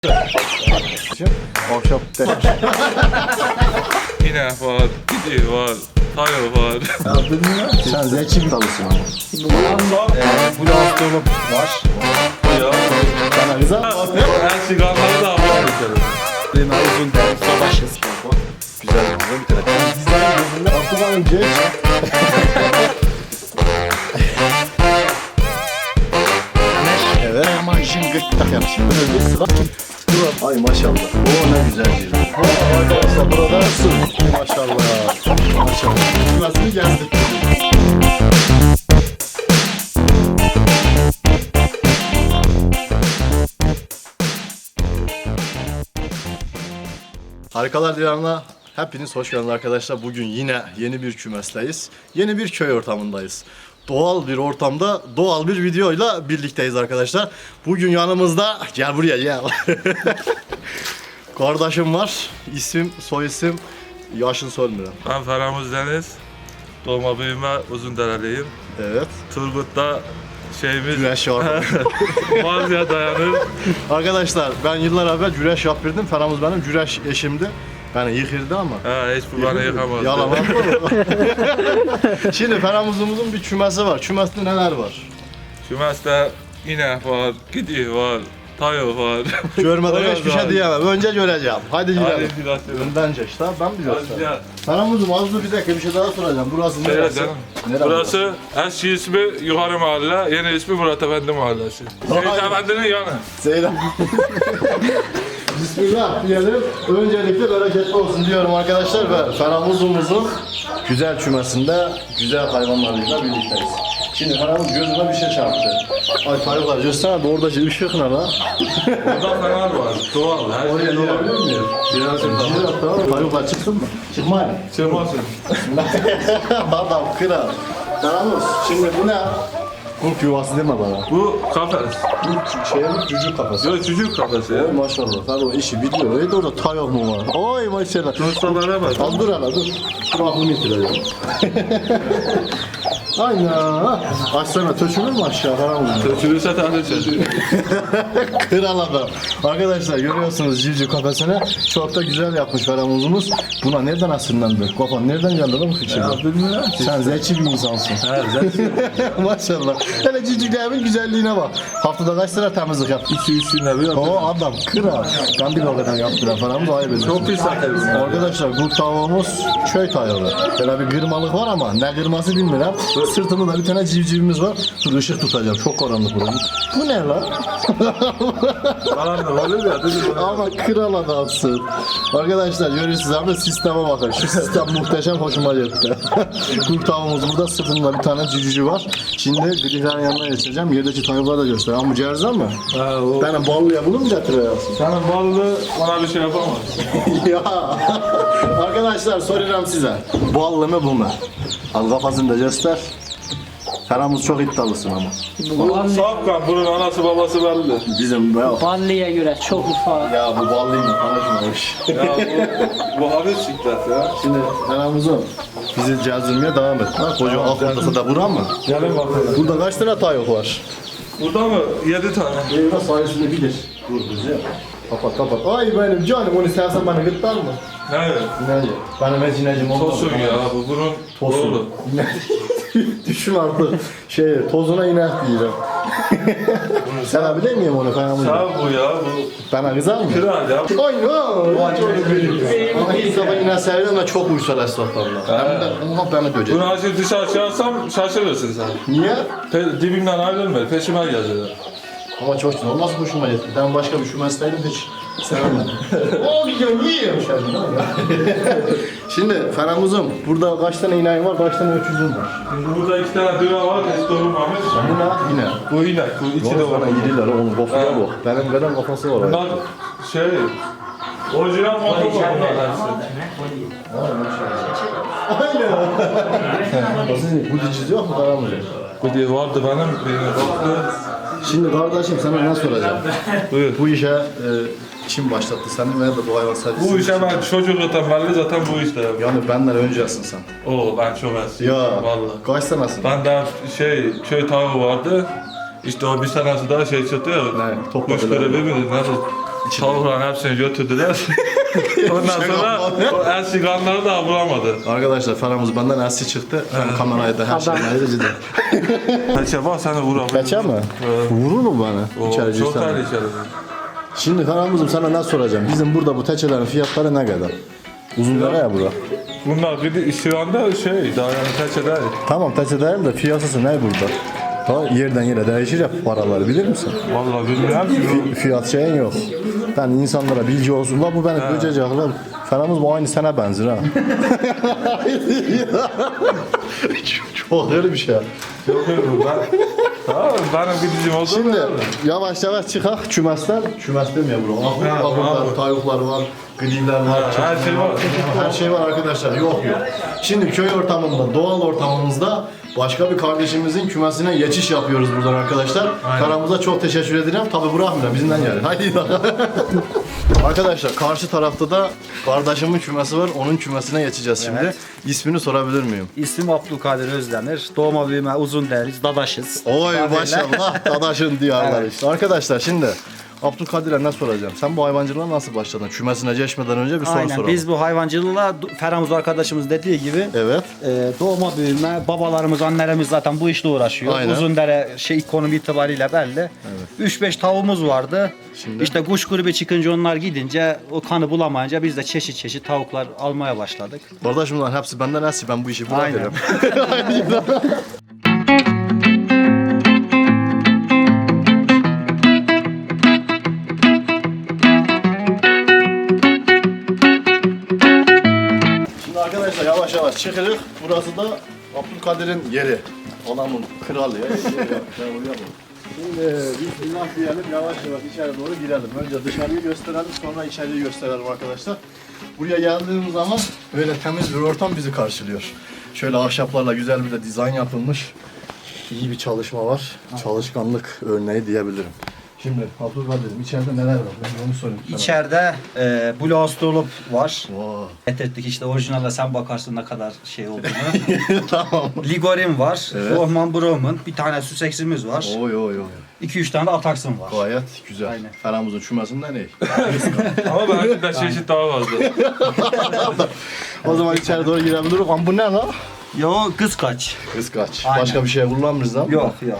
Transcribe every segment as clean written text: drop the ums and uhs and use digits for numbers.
Ahşap demiş. Yine var, gidiyor var, tayo var. Sen zeki bir dalısın ama. Bu da astronom var. Ya, Bana güzel. her sigarları da var. Benim uzun derim savaşız. Güzel bir bitirelim. Bizlerin gözünde aklıma geç. Evet. Aman şimdi gırtlak yapmışım. Böyle bir sıra. Ay maşallah. Oo ne güzel bir. Arkadaşlar burada su. Maşallah. Maşallah. Şurasını gezdik. Harikalar Diyarı'na hepiniz hoş geldiniz arkadaşlar. Bugün yine yeni bir kümesteyiz. Yeni bir köy ortamındayız. Doğal bir ortamda doğal bir videoyla birlikteyiz arkadaşlar. Bugün yanımızda gel buraya gel. Kardeşim var. İsim, soy isim, yaşını sormuyorum. Ben Feramuz Deniz. Doğma büyüme Uzundereliyim. Evet. Turgut'ta şeyimiz Güreş var. Mazya dayanır. Arkadaşlar ben yıllar evvel güreş yapırdım. Feramuz benim güreş eşimdi. Beni yıkırdı ama. Ha, hiç bu bana yıkamazdı. Yalan. Şimdi Feramuz'umuzun bir kümesi var. Kümesinde neler var? Kümeste yine var, gidiyor var, tayo var. Görmeden hiçbir şey diyemem. Önce göreceğim. Hadi gidelim. Hadi gidelim. Önden geç. Tamam ben biliyorum. Hadi ya. Feramuz'um az dur bir dakika bir şey daha soracağım. Burası Şey neresi? canım, Nere burası eski ismi Yukarı Mahalle, yeni ismi Murat Efendi Mahallesi. Seyit Efendi'nin yanı. Seydem. Bismillah diyelim. Öncelikle bereketli olsun diyorum arkadaşlar ve Feramuz'umuzun güzel kümesinde güzel hayvanlarıyla birlikteyiz. Şimdi Feramuz gözüme bir şey çarptı. Ay tayıklar göster de oradaki ışık ne lan? Burada fener var, doğal, her Oraya şey doğal. girebilir miyim? Girersin. Tayıklar çıksın mı? Çıkmayın. Çıkmasın. Adam kral. Feramuz şimdi bu ne? Kurt yuvası deme bana. Bu kafes. Bu şeyin cücük kafası. Yok çocuk kafesi ya. Maşallah. Sen o işi biliyor. Öyle orada tayok mu var? Oy maşallah. Ustalara bak. Al dur hala dur. Dur aklımı yitireceğim. Aynen. Açsana tökülür mü aşağı falan mı? Çürüse tane çözür. Kral adam. Arkadaşlar görüyorsunuz civciv kafesini. Çok da güzel yapmış Feramuz'umuz. Buna nereden asırlandı? Kafan nereden geldi lan bu fikir? Bilmiyorum. Sen zeki bir insansın. Ha, zaten. Maşallah. Hele civcivlerimin güzelliğine bak. Haftada kaç sıra temizlik yap? 2-3 gün bir O adam kral. Ben bir o kadar yaptıran Feramuz ayıp ediyorsun. Çok pis zaten bunlar. Arkadaşlar bu tavuğumuz köy tavuğu. Böyle bir kırmalık var ama ne kırması bilmiyorum. Sırtında da bir tane civcivimiz var. Dur ışık tutacağım. Çok karanlık burası. Bu ne lan? Karanlık olur ya. Ama kral adamsın. Arkadaşlar görüyorsunuz ama sisteme bakın. Şu sistem muhteşem hoşuma gitti. Kurt tavuğumuz burada. Sırtında bir tane civciv var. Şimdi grillerin yanına geçeceğim. Yerdeki tavukları da göster. Ama bu cerza mı? Ha, o. Ben ballıya bunu mu getiriyorsun? Senin ballı ona bir şey yapamaz. Ya arkadaşlar soruyorum size. Ballı mı bu mu? Al kafasını da göster. Feramuz çok iddialısın ama. Bu Safkan, bunun anası babası belli. Bizim ya, Ballı'ya göre çok ufak. ya bu ballıyla konuşmamış. Ya bu hafif siklet ya. Şimdi Feramuz'um bizi cazırmaya devam et. Ha, koca altındası da buran mı? Gelin bakalım. Burada kaç tane tayok var? Burada mı? 7 tane. Eyvah sayesinde bilir. Dur bizi. Kapat kapat. Ay benim canım onu istersen bana gırtlar mı? Evet. Ne? Benim ecinecim olmadı. Tosun ya bu bunun Tosun. oğlu. Düşün artık tozuna iner diyeceğim. Sen bilir miyim onu Feramuz? Sağ bu ya bu. Bana kızar mı? Kral ya. Ama ilk defa yine sevdim ve çok uysal esnaflarla. Hem de ona beni dövecek. Bunu açıp dışarı çıkarsam şaşırırsın sen. Niye? Dibimden ayrılma, peşime gelecekler. Ama çok güzel. Nasıl hoşuma gitti. Ben başka bir şu mesleğimi hiç sevemedim. O gidiyorum yiyeyim Şimdi Feramuz'um burada kaç tane ineğin var, kaç tane öküzün var? Şimdi burada 2 tane düve var, hiç doğurmamış. Bu ne? Yine. Bu inek, bu içi de Yok var. bana yediler onun kafaya Ha. bak. Benim kadar kafası var. Bunlar şey, orijinal motor var bunlar hepsi. Aynen. Sizin bu diciz yok mu Feramuz'um? Bu diye vardı benim, birine baktı. Şimdi kardeşim sana ne soracağım? Buyur. Bu işe kim başlattı seni veya da bu hayvan sadece Bu işe ben çocukluktan belli zaten bu işte. Yani benden öncesin sen. Oo ben çok eski. Ya Vallahi. kaç senesin? Ben de şey, köy tavuğu vardı. İşte o bir senesi daha şey çıktı ya. Ne, topladılar. Kuş grevi mi? Nasıl? Tavukların hepsini götürdüler. Ondan sonra o eski kanları da bulamadı. Arkadaşlar Ferhamuz benden ersi çıktı. Ben kamerayı da her şeyden ayrıca Kaça bak seni vurabilir. Kaça mı? Vurur mu bana? İçeri Çok girsen. tehlikeli. Şimdi Ferhamuz'um sana ne soracağım? Bizim burada bu teçelerin fiyatları ne kadar? Uzunlara ya bura. Bunlar bir şu anda daha yani kaça değil. Tamam teçe değil de fiyatı ne burada? Ha, yerden yere değişir ya paraları bilir misin? Vallahi bilmiyorum ki. Fiyat şeyin yok. Ben insanlara bilgi olsun. La bu beni böcecek lan. Ferhamuz bu aynı sana benzer ha. Çok öyle bir şey. Yok ben. Tamam benim bildiğim oldu. Şimdi yavaş yavaş çıkak kümesten. Kümes demiyor bro. Ahurlar, tavuklar var, griler var. Her şey var. Her şey var arkadaşlar. Yok. Şimdi köy ortamında, doğal ortamımızda başka bir kardeşimizin kümesine geçiş yapıyoruz buradan arkadaşlar. Karamıza çok teşekkür ederim. Tabi bırakmıyor bizimden yani. Haydi. Arkadaşlar karşı tarafta da kardeşimin kümesi var. Onun kümesine geçeceğiz şimdi. Evet. İsmini sorabilir miyim? İsmim Abdülkadir Özdemir. Doğma büyüme Uzunderiz, Dadaşız. Oy Tabii. maşallah dadaşın diyarlar Evet. işte. Arkadaşlar şimdi Abdülkadir'e ne soracağım? Sen bu hayvancılığa nasıl başladın? Kümesine geçmeden önce bir soru Aynen. soralım. Biz bu hayvancılığa Ferhamuz arkadaşımız dediği gibi Evet. doğma büyüme babalarımız, annelerimiz zaten bu işle uğraşıyor. Aynen. Uzundere konum itibariyle belli. 3-5 tavuğumuz vardı. Şimdi? İşte kuş grubu çıkınca onlar gidince o kanı bulamayınca biz de çeşit çeşit tavuklar almaya başladık. Kardeşim lan hepsi benden eski. Ben bu işi bırakıyorum. Şimdi arkadaşlar yavaş yavaş çıkırık. Burası da Abdülkadir'in yeri. Adamın kralı ya. Şimdi bismillah diyelim yavaş yavaş içeri doğru girelim. Önce dışarıyı gösterelim sonra içeriği gösterelim arkadaşlar. Buraya geldiğimiz zaman böyle temiz bir ortam bizi karşılıyor. Şöyle ahşaplarla güzel bir de dizayn yapılmış. İyi bir çalışma var. Çalışkanlık örneği diyebilirim. Şimdi Abdülkadir'im içeride neler var? Ben onu sorayım. sana. İçeride Blue Astrolop var. Vay. Getirdik işte orijinalde sen bakarsın ne kadar şey olduğunu. Tamam. Ligorin var, Evet. Rohman Brom'un bir tane Sussex'imiz var. Oy oy oy. 2-3 tane de Ataksın var. Gayet güzel. Aynen. Ferhamuz'un çümesinden iyi. Ama belki de çeşit daha fazla. O zaman içeri doğru girebiliriz. Ama bu ne lan? Yo kız kaç? Kıskaç. Aynen. Başka bir şey kullanmıyoruz lan. Yok yok.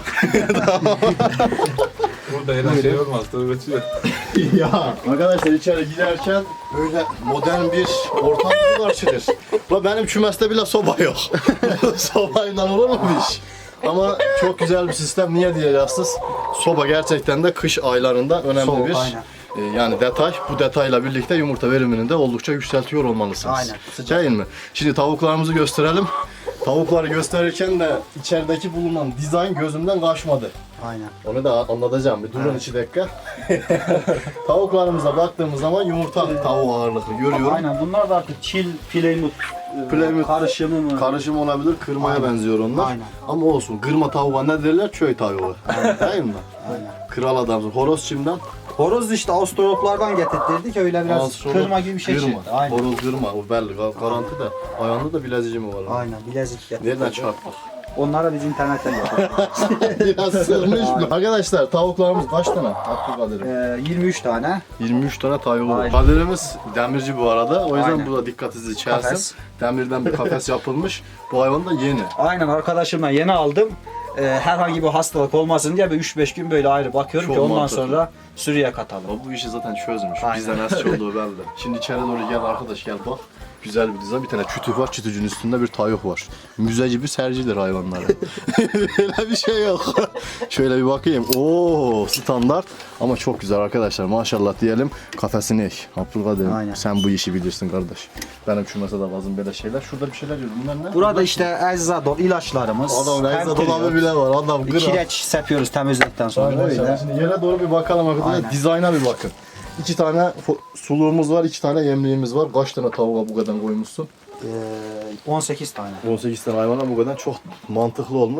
Burada yine şey olmaz. Dur geçiyor. Ya arkadaşlar içeri girerken böyle modern bir ortam bizi karşılıyor. La benim kümeste bile soba yok. Sobayla olur mu bu iş? Ama çok güzel bir sistem. Niye diyeceksiniz? Soba gerçekten de kış aylarında önemli Soğuk, bir aynen. yani detay. Bu detayla birlikte yumurta verimini de oldukça yükseltiyor olmalısınız. Aynen, sıcak. Değil mi? Şimdi tavuklarımızı gösterelim. Tavukları gösterirken de içerideki bulunan dizayn gözümden kaçmadı. Aynen. Onu da anlatacağım. Bir durun 2 dakika. Tavuklarımıza baktığımız zaman yumurta tavuğu ağırlıklı görüyorum. Aynen bunlar da artık çil, Plymouth, Plymouth karışımı mı? Karışım olabilir, kırmaya Aynen. benziyor onlar. Aynen. Ama olsun, kırma tavuğa ne derler? Köy tavuğu. Değil mi? Aynen. Kral adamsın. Horoz çimden. Horoz işte Astroloplardan getirttirdik öyle biraz Astrolog, kırma gibi bir şey kırma. çıktı. Aynen. Horoz kırma, o belli. Garanti de. Ayağında da bilezici mi var? Aynen bilezik getirdik. Nereden çarptık? Onlara biz internetten yaptık. Biraz sığmış mı? Arkadaşlar tavuklarımız kaç tane? Abdülkadir'im. 23 tane. 23 tane tavuğu var. Aynen. Kadirimiz demirci bu arada. O yüzden Aynen. burada dikkatinizi çelsin. Kafes. Demirden bir kafes yapılmış. Bu hayvan da yeni. Aynen arkadaşımla yeni aldım. Herhangi bir hastalık olmasın diye bir 3-5 gün böyle ayrı bakıyorum Çok ki ondan mantıklı. sonra sürüye katalım. O bu işi zaten çözmüş. Aynen. Bizden az olduğu belli. Şimdi içeri doğru gel arkadaş gel bak. Güzel bir dizayn. Bir tane çütük var. Çütücün üstünde bir tavuk var. Müze gibi sercidir hayvanları. Böyle bir şey yok. Şöyle bir bakayım. Oo standart. Ama çok güzel arkadaşlar. Maşallah diyelim. Kafesini ek. Abdülkadir'im Aynen. sen bu işi bilirsin kardeş. Benim kümese de lazım böyle şeyler. Şurada bir şeyler yiyorum. Bunlar ne? Burada işte eczadol ilaçlarımız. Adam neyse Pentriol, dolabı bile var. Adam gıra. kireç sepiyoruz temizledikten sonra Arkadaşlar öyle. şimdi yere doğru bir bakalım arkadaşlar. Aynen. Dizayna bir bakın. 2 tane suluğumuz var, 2 tane yemliğimiz var. Kaç tane tavuğa bu kadar koymuşsun? 18 tane. 18 tane hayvana bu kadar çok mantıklı olmuş.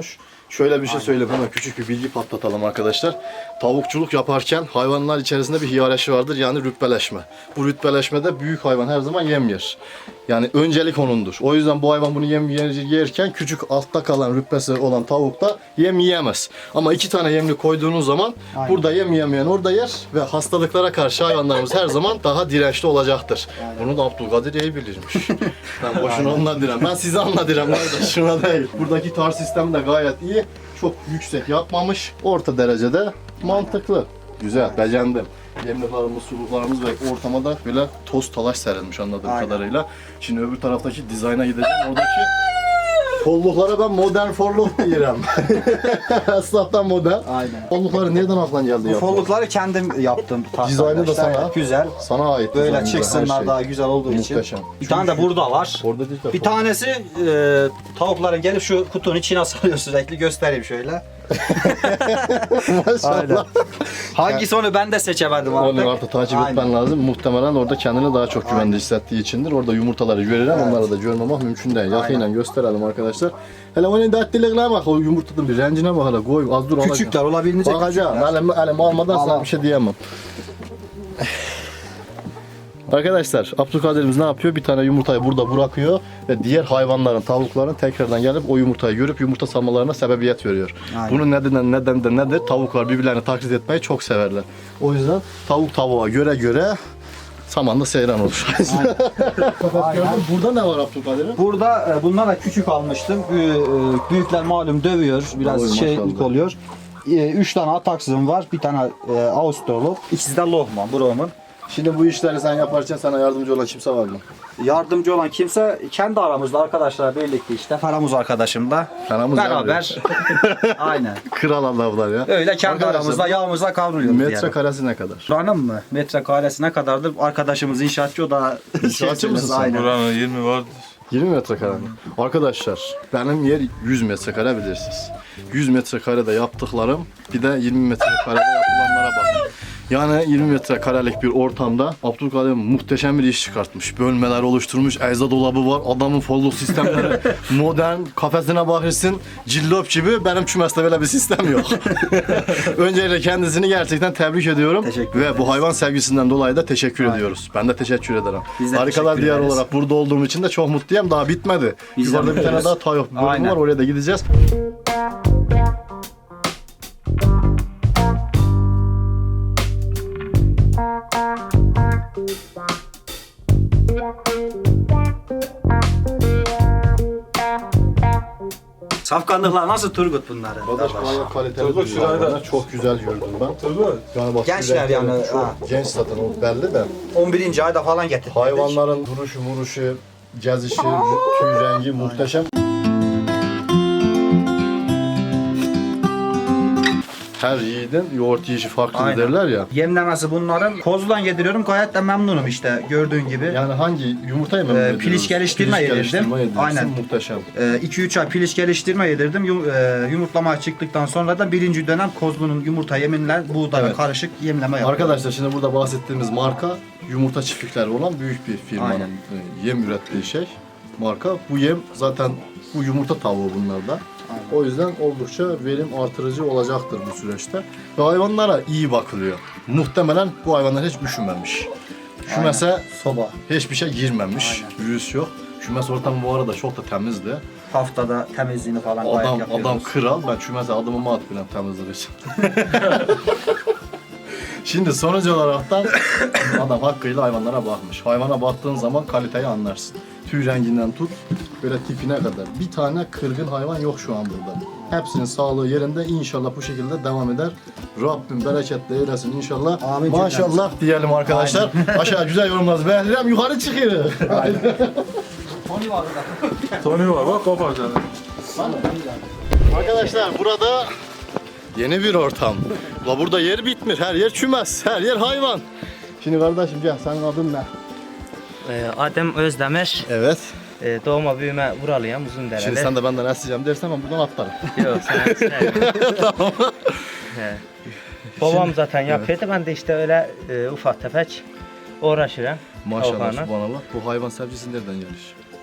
Şöyle bir şey söyleyeyim, hemen küçük bir bilgi patlatalım arkadaşlar. Tavukçuluk yaparken hayvanlar içerisinde bir hiyerarşi vardır, yani rütbeleşme. Bu rütbeleşmede büyük hayvan her zaman yem yer. Yani öncelik onundur. O yüzden bu hayvan bunu yem yerken küçük altta kalan rütbesi olan tavuk da yem yiyemez. Ama 2 tane yemli koyduğunuz zaman burada yem yemeyen orada yer ve hastalıklara karşı hayvanlarımız her zaman daha dirençli olacaktır. Bunu da Abdülkadir iyi bilirmiş. Ben boşuna ondan direm. Ben size anlatırım kardeş, şuna değil. Buradaki tar sistemi de gayet iyi. Çok yüksek yapmamış. Orta derecede mantıklı. Güzel, beğendim. Yemliklerimiz, suluklarımız ve ortama da böyle toz talaş serilmiş anladığım kadarıyla. Şimdi öbür taraftaki dizayna gideceğim. Oradaki kolluklara ben modern forluk diyorum. Esnaftan modern. Aynen. Kollukları nereden aklına geldi Bu yapmak? follukları kendim yaptım. Dizaynı da sana. Güzel. Sana ait. Böyle dizaynı da, her çıksınlar şey. daha güzel olduğu için. Muhteşem. Bir tane de burada var. Orada değil de Bir tanesi tavukların gelip şu kutunun içine sarıyor sürekli, göstereyim şöyle. maşallah. Hangisi onu ben de seçemedim artık. Onu artık takip Aynen. etmen lazım. Muhtemelen orada kendini daha çok güvende hissettiği içindir. Orada yumurtaları görürüm, onları da görmemek mümkün değil. Yakıyla gösterelim arkadaşlar. Hele onun dertliliklerine bak, o yumurtanın bir rencine bak hele, koy az dur olacak. Küçükler olabildiğince Bakacağım, küçükler. elim almadan sana Tamam. bir şey diyemem. Arkadaşlar Abdülkadir'imiz ne yapıyor? Bir tane yumurtayı burada bırakıyor ve diğer hayvanların, tavukların tekrardan gelip o yumurtayı görüp yumurta salmalarına sebebiyet veriyor. Aynen. Bunun neden de nedir? Tavuklar birbirlerini taklit etmeyi çok severler. O yüzden tavuk tavuğa göre samanda seyran olur. Burada ne var Abdülkadir'in? Burada bunlar da küçük almıştım. Büyükler malum dövüyor, biraz Oy, şeylik maşallah. oluyor. 3 tane ataksızım var, bir tane Avustralop, ikisi de Lohman, Brom'un. Şimdi bu işleri sen yaparken sana yardımcı olan kimse var mı? Yardımcı olan kimse kendi aramızda arkadaşlar birlikte işte. Faramuz arkadaşım da Faramuz beraber. Aynen. Kral adamlar ya. Öyle kendi Arkadaşlar, aramızda yağımıza kavruluyoruz yani. metrekaresi ne kadar? Buranın mı? Metrekaresi ne kadardır? Arkadaşımız inşaatçı, o da İnşaatçı mısın sen? Aynen. Buranın 20 vardır. 20 metrekare mi? Arkadaşlar benim yer 100 metrekare bilirsiniz. 100 metrekarede yaptıklarım bir de 20 metrekarede yapılanlara bakın. Yani 20 metrekarelik bir ortamda Abdülkadir muhteşem bir iş çıkartmış. Bölmeler oluşturmuş, ecza dolabı var, adamın folluk sistemleri modern, kafesine bakırsın cillop gibi, benim kümeste böyle bir sistem yok. Öncelikle kendisini gerçekten tebrik ediyorum. Teşekkür ve ederiz. bu hayvan sevgisinden dolayı da teşekkür ediyoruz. Ben de teşekkür ederim. Biz de Harikalar teşekkür Diyarı ederiz. olarak burada olduğum için de çok mutluyum. Daha bitmedi. Biz de Yukarıda bir tane mutluyuz. daha Tayop bölümü Aynen. var, oraya da gideceğiz. Safkanlıklar nasıl Turgut bunları? Arkadaş bayağı kaliteli Turgut duruyor. şurayı da- Hayvanlar çok güzel gördüm ben. Turgut. Yani bak, Gençler renkleri yani, çok ha. genç zaten, o belli de. 11. ayda falan getirdik. Hayvanların duruşu, vuruşu, gezişi, tüy rengi muhteşem. Her yiğidin yoğurt yiyişi farklı Aynen. derler ya. Yemlemesi bunların. Kozludan yediriyorum, gayet de memnunum işte gördüğün gibi. Yani hangi yumurtayı mı yediriyorsun? piliç geliştirme Piliç yedirdim. geliştirme yedirirsin, Aynen. muhteşem. 2-3 ay piliç geliştirme yedirdim. Yumurtlamaya çıktıktan sonra da 1. dönem kozlunun yumurta yeminle buğdayla Evet. karışık yemleme yapıyorum. Arkadaşlar şimdi burada bahsettiğimiz marka yumurta çiftlikleri olan büyük bir firmanın Aynen. yem ürettiği şey. Marka. Bu yem zaten bu yumurta tavuğu bunlarda. O yüzden oldukça verim artırıcı olacaktır bu süreçte. Ve hayvanlara iyi bakılıyor. Muhtemelen bu hayvanlar hiç üşümemiş. Üşümese Soba. hiçbir şey girmemiş. Virüs yok. Kümes ortamı bu arada çok da temizdi. Haftada temizliğini falan gayet Adam yapıyoruz. kral. Ben kümese adımımı atmıyorum temizlik için. Şimdi sonuç olaraktan adam hakkıyla hayvanlara bakmış. Hayvana baktığın zaman kaliteyi anlarsın. Tüy renginden tut, böyle tipine kadar. Bir tane kırgın hayvan yok şu an burada. Hepsinin sağlığı yerinde, inşallah bu şekilde devam eder. Rabbim bereketle eylesin inşallah. Amin. Maşallah diyelim arkadaşlar. Aşağı güzel yorumlarız beğenirim, yukarı çıkıyor. Tony var burada. Tony var bak kopar canım. Arkadaşlar burada yeni bir ortam. La burada yer bitmir, her yer çümez, her yer hayvan. Şimdi kardeşim gel, senin adın ne? Adem Özdemir, Evet. doğma büyüme buralıyım, Uzundereli. Şimdi sen de benden isteyeceğim dersen ben buradan atlarım. Yok, sen tamam. Babam zaten yapıyordu, ben de işte öyle ufak tefek uğraşırım. Maşallah, Tavuklarla. subhanallah. Bu hayvan sevgisi nereden gelir?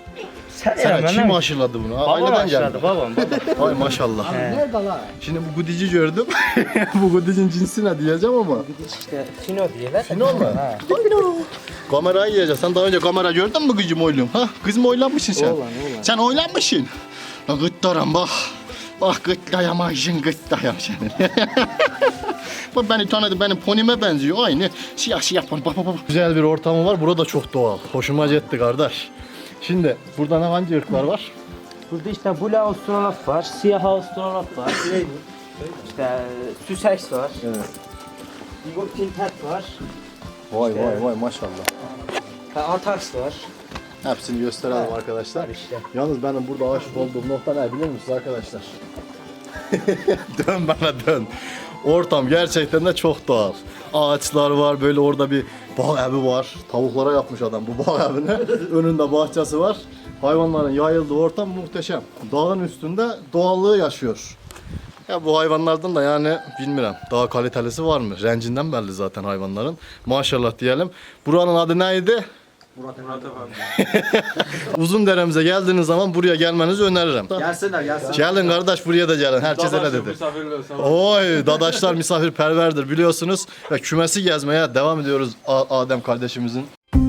Sen Sana hemen kim lan. aşıladı bunu? Babam Aileden aşıladı geldi. babam. Ay maşallah. Nerede la? Şimdi bu gudici gördüm. Bu gudicin cinsi ne diyeceğim ama. İşte Fino diyorlar. Fino mu? Ha. Kamerayı yiyeceksin. Sen daha önce kamera gördün mü kızım oylum? Ha? Kız mı oylanmışsın sen? Oğlan. Sen oylanmışsın. La gıttaram bak. Bak gıtlayamazsın gıttayam senin. Bak beni tanıdı, benim ponime benziyor. Aynı siyah siyah pon. Bak. Güzel bir ortamı var. Burada çok doğal. Hoşuma gitti kardeş. Şimdi burada ne hangi ırklar var? Burada işte Blue Australop var, Siyah Australop var. İşte Sussex var. Evet. Eagle Tinted var. Vay maşallah. Antarks var. Hepsini gösterelim arkadaşlar. İşte. Yalnız benim burada aşık olduğum nokta ne biliyor musunuz arkadaşlar? Dön bana dön. Ortam gerçekten de çok doğal. Ağaçlar var, böyle orada bir bağ evi var. Tavuklara yapmış adam bu bağ evini. Önünde bahçesi var. Hayvanların yayıldığı ortam muhteşem. Dağın üstünde doğallığı yaşıyor. Ya bu hayvanlardan da yani bilmiyorum daha kalitelisi var mı? Rencinden belli zaten hayvanların. Maşallah diyelim. Buranın adı neydi? Murat Efendi. Uzundere'mize geldiğiniz zaman buraya gelmenizi öneririm. Gelsinler gelsin. Gelin kardeş buraya da gelin. Herkes öyle Dadaşım, dedi. misafirler sağ ol. Oy dadaşlar misafirperverdir biliyorsunuz. Ve kümesi gezmeye devam ediyoruz Adem kardeşimizin.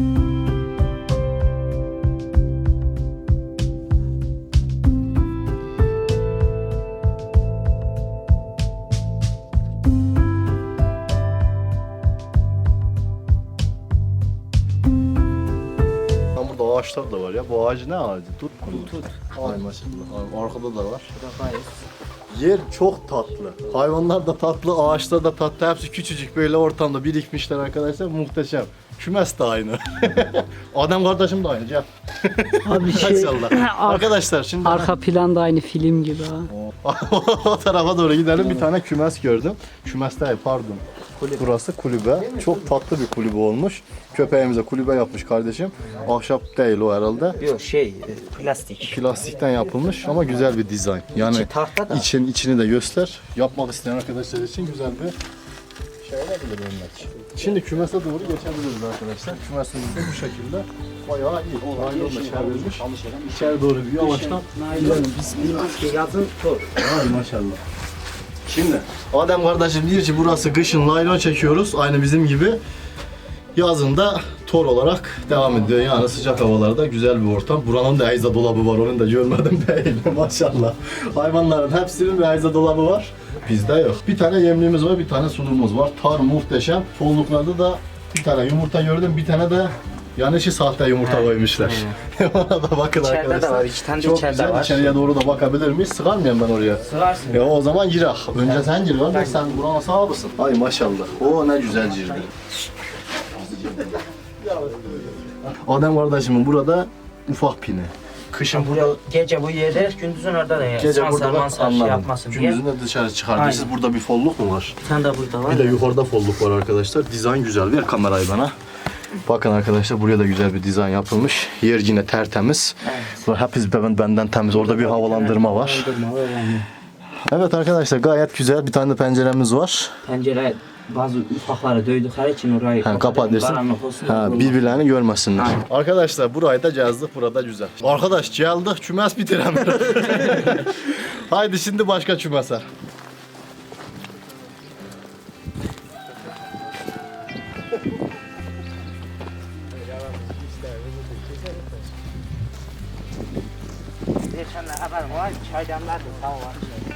Tam burada ağaçlar da var ya. Bu ağacı ne ağacı? Tut mu? Tut. Ay maşallah. Ay, arkada da var. Yer çok tatlı. Hayvanlar da tatlı, ağaçlar da tatlı. Hepsi küçücük böyle ortamda birikmişler arkadaşlar. Muhteşem. Kümes de aynı. Adem kardeşim de aynı. Gel. Abi şey, Maşallah. Arkadaşlar şimdi arka planda aynı film gibi ha. o tarafa doğru gidelim. Bir tane kümes gördüm. Kümes değil pardon. Burası kulübe. Çok tatlı bir kulübe olmuş. Köpeğimize kulübe yapmış kardeşim. Ahşap değil o herhalde. Yok plastik. Plastikten yapılmış ama güzel bir dizayn. Yani İçi tahta da. içini de göster. Yapmak isteyen arkadaşlar için güzel bir şey olabilir örnek. Şimdi kümese doğru geçebiliriz arkadaşlar. Kümesimiz de bu şekilde bayağı iyi. Naylonla çevrilmiş. İçeri doğru bir yavaştan. Yazın tor. Ay maşallah. Şimdi Adem kardeşim diyor ki burası kışın naylon çekiyoruz aynı bizim gibi. Yazın da tor olarak devam ediyor. Yani sıcak havalarda güzel bir ortam. Buranın da ecza dolabı var. Onu da görmedim değil maşallah. Hayvanların hepsinin bir ecza dolabı var. Bizde yok. Bir tane yemliğimiz var, bir tane sulumuz var. Tar muhteşem. Folluklarda da bir tane yumurta gördüm. Bir tane de yanışı sahte yumurta koymuşlar. Ona da bakın İçeride arkadaşlar. de var, iki tane de Çok içeride güzel. var. İçeriye doğru da bakabilir miyiz? Sığar mıyım ben oraya? Sığarsın. Ya o zaman girer. Önce sen gir var. Sen buranın sahibisin. Ay maşallah. O ne güzel girdi. Adem kardeşimin burada ufak pini. Kışın burada Gece bu yerde, gündüzün orada da ya. gece burada da şey anladım. yapmasın diye. Gündüzün de dışarı çıkardı. Aynen. Siz burada bir folluk mu var? Bir tane de burada var. Bir de yukarıda folluk var arkadaşlar. Dizayn güzel. Ver kamerayı bana. Bakın arkadaşlar buraya da güzel bir dizayn yapılmış. Yer yine tertemiz. Evet. Hepsi benden temiz. Orada bir havalandırma var. Evet arkadaşlar gayet güzel. Bir tane de penceremiz var. Pencere bazı ufakları döydükleri için orayı Kapat karanlık olsun. birbirlerini görmesinler. Arkadaşlar burayı da gezdik. Burada güzel. Arkadaş geldik. Kümes bitiremiyoruz. Haydi şimdi başka kümese. Geçenler haberim var. Çaydanlar da sağ var.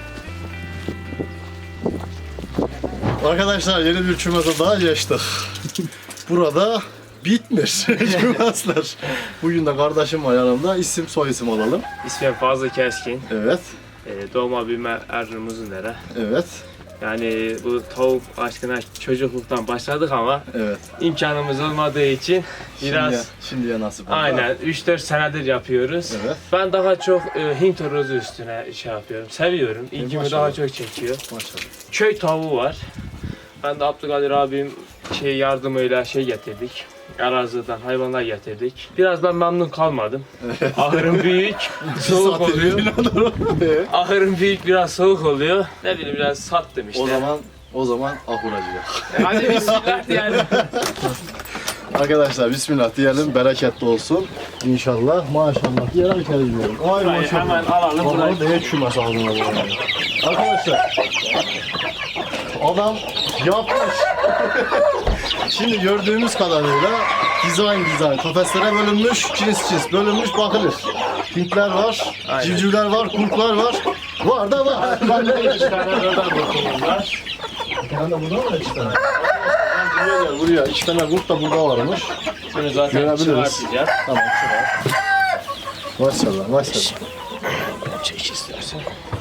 Arkadaşlar yeni bir kümese daha geçtik. Burada bitmiş kümesler. Bugün de kardeşim var yanımda. İsim soy isim alalım. İsmim Fazıl Keskin. Evet. Doğma büyüme Erzurum Uzundere. Evet. Yani bu tavuk aşkına çocukluktan başladık ama Evet. imkanımız olmadığı için biraz Şimdiye nasip oldu. aynen 3-4 senedir yapıyoruz. Evet. Ben daha çok Hint horozu üstüne şey yapıyorum. Seviyorum. İlgimi maşallah. daha çok çekiyor. Maşallah. Köy tavuğu var. Ben de Abdülkadir abim yardımıyla getirdik. Araziden hayvanlar getirdik. Biraz ben memnun kalmadım. Ahırım büyük, soğuk oluyor. Ahırım büyük, biraz soğuk oluyor. Ne bileyim biraz sattım işte. O zaman ahuracıya. Hadi bismillah diyelim. Arkadaşlar bismillah diyelim, bereketli olsun. İnşallah, maşallah diyelim, içeri gidiyorum. Ay Burayı maşallah. hemen alalım. Vallahi Burayı. değer kümes aldın abi. Arkadaşlar, adam yapmış. Şimdi gördüğümüz kadarıyla dizayn kafeslere bölünmüş, cins bölünmüş, bakılır. Hintler var, Aynen. civcivler var, kurtlar var. Var da var. İki tane buradan kurtumuz var. Bir tane de burada var, iki tane. Buraya gel, buraya. İki tane kurt da burada varmış. Şunu zaten Görebiliriz. çıkartacağız. Tamam, çıkar. Maşallah, maşallah. Çek istersen.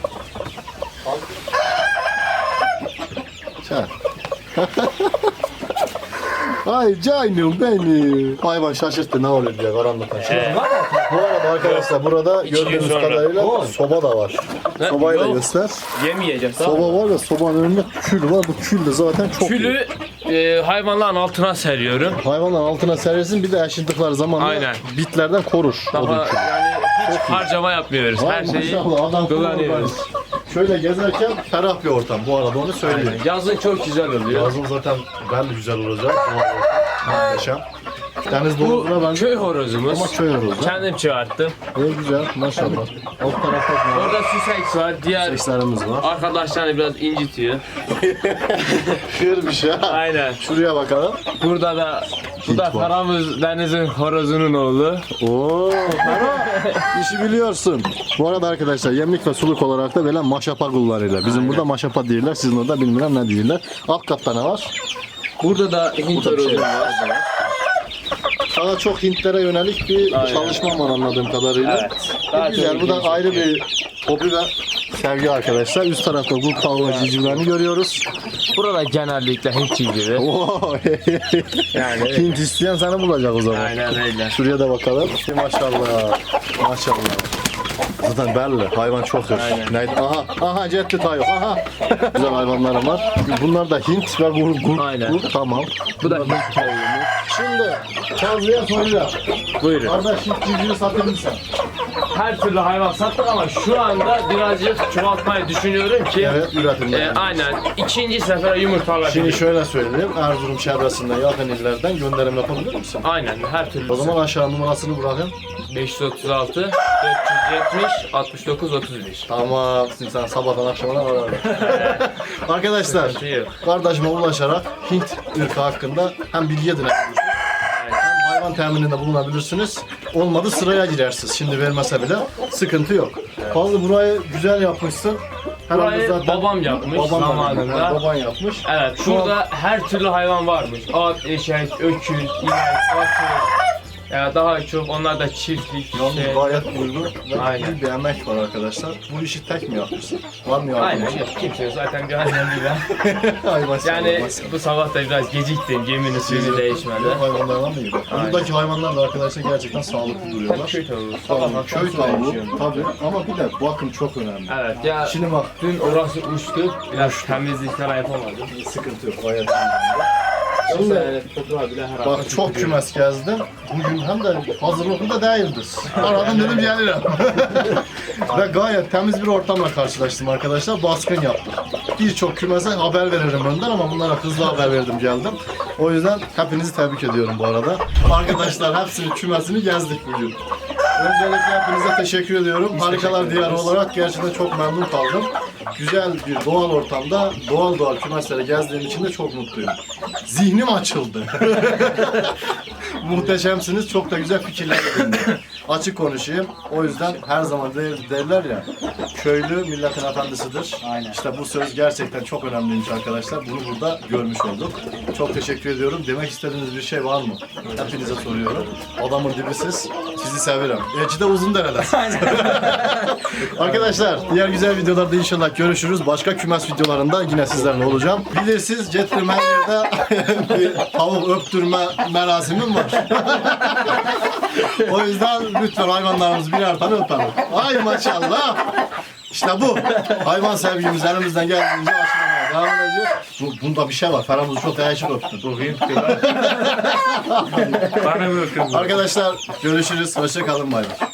Çak. Ay canım benim. Hayvan şaşırttı, ne oluyor diye karanlıktan. Bu arada arkadaşlar burada İki gün gördüğünüz sonra. kadarıyla soba da var. Sobayı da Yok. göster. Yemeyeceğiz. Soba var ya, sobanın önünde kül var. Bu kül de zaten çok iyi. Külü hayvanların altına seriyorum. Hayvanların altına serirsin, bir de yaşadıklar zamanla Aynen. bitlerden korur. Daha odun külü. yani hiç harcama yapmıyoruz. Vay Her şeyi maşallah, adam kullanıyoruz. Şöyle gezerken ferah bir ortam. Bu arada onu söyleyeyim. Yazın çok güzel oluyor. Yazın zaten ben de güzel olacak. Muhteşem. Deniz doğusuna Bu benziyor köy horozumuz. ama köy horozu. Kendim çıkarttım. İyi güzel maşallah. Alt tarafta var. Orada süseks var. Diğer Sekslerimiz var. arkadaşlarını biraz incitiyor. Şiir bir şey. Aynen. Şuraya bakalım. Burada da bu da Hint var. Karamız Deniz'in horozunun oğlu. Oo, işi biliyorsun. Bu arada arkadaşlar yemlik ve suluk olarak da böyle maşapa kullanırlar. Bizim burada maşapa değiller, sizin orada bilmem ne değiller. Alt katta ne var? Burada da Hint Burada bir şey horozu var. var. Daha çok Hintlere yönelik bir Aynen. çalışma var anladığım kadarıyla. Evet. Daha Güzel, çok bu da ilgimi ayrı çekiyor. bir hobi ve sevgi arkadaşlar. Üst tarafta kurt tavuğu ve civcivlerini görüyoruz. Burada genellikle Hint civcivi. Oo, Yani Hint isteyen seni bulacak o zaman. aynen öyle. Şuraya da bakalım. Maşallah. Maşallah. Zaten belli. Hayvan çok hır. Aynen. Neydi? Aha cepte tayo. Aha. Güzel hayvanlarım var. Bunlar da Hint ve kurt. Aynen. Tamam. Bu da Hint tavuğumuz. Şimdi Kazlı'ya soracağım. Buyurun. Kardeş Hint civcivi satır mısın? Her türlü hayvan sattık ama şu anda birazcık çoğaltmayı düşünüyorum ki Evet, üretimde. aynen ikinci sefere yumurtalar. Şimdi şöyle söyleyeyim. Erzurum çevresinden, yakın illerden gönderim yapabilir misin? Aynen her türlü. O zaman aşağı numarasını bırakın. 536 470 69 31. Tamam. Şimdi sen sabahtan akşamına arar. Arkadaşlar, Sıkıntı yok. kardeşime ulaşarak Hint ırkı hakkında hem bilgi edinebilirsiniz, hem hayvan temininde bulunabilirsiniz. Olmadı sıraya girersiniz. Şimdi vermese bile sıkıntı yok. Fazla burayı güzel yapmışsın. Herhalde Burayı zaten babam yapmış baban zamanında. Baban yapmış. Evet, burada her türlü hayvan varmış. At, eşek, öküz, inek, atı. Ya daha çok onlar da çiftlik. Yalnız Şey. gayet uygun ve Aynen. iyi bir emek var arkadaşlar. Bu işi tek mi yapmışsın? Var mı yardım? Aynen, yok kimse yok. Zaten bir annem değil ben. Ay maşallah, Yani maşallah. bu sabah da biraz geciktim. Geminin suyu değişmedi. Hayvanlardan mı iyi? Buradaki hayvanlar da arkadaşlar gerçekten sağlıklı duruyorlar. Köy tavuğu. Tamam, Sabah köy akşam su tavuğu değişiyorum. tabii ama bir de bakım çok önemli. Evet ya Şimdi bak dün orası uçtu. Biraz temizlikler yapamadım. sıkıntı yok gayet iyi. Şimdi Şimdi toprağı bile her bak çok kümes gezdim. Bugün hem de hazırlıklı da değildir. Aradım dedim gelirim. Ve gayet temiz bir ortamla karşılaştım arkadaşlar. Baskın yaptık. Birçok kümese haber veririm önden ama bunlara hızlı haber verdim geldim. O yüzden hepinizi tebrik ediyorum bu arada. Arkadaşlar hepsinin kümesini gezdik bugün. Öncelikle hepinize teşekkür ediyorum. Harikalar Diyarı olarak gerçekten çok memnun kaldım. Güzel bir doğal ortamda doğal kümesleri gezdiğim için de çok mutluyum. Zihnim açıldı. Muhteşemsiniz. Çok da güzel fikirler edindim. Açık konuşayım. O yüzden her zaman derler ya, köylü milletin efendisidir. Aynen. İşte bu söz gerçekten çok önemliymiş arkadaşlar. Bunu burada görmüş olduk. Çok teşekkür ediyorum. Demek istediğiniz bir şey var mı? Hepinize soruyorum. Adamın dibisiz. Sizi severim. Eci de uzun dereden. Arkadaşlar diğer güzel videolarda inşallah görüşürüz. Başka kümes videolarında yine sizlerle olacağım. Bilirsiniz Cetrimenler'de bir tavuk öptürme merasimim var. O yüzden lütfen hayvanlarımızı birer tane öpelim. Ay maşallah. İşte bu. Hayvan sevgimiz elimizden geldiğince aşılamaya devam edeceğiz. Bunda bir şey var. Ferhamızı çok değişik öptü. Bana bırakın. Arkadaşlar görüşürüz. Hoşça kalın. Bay bay.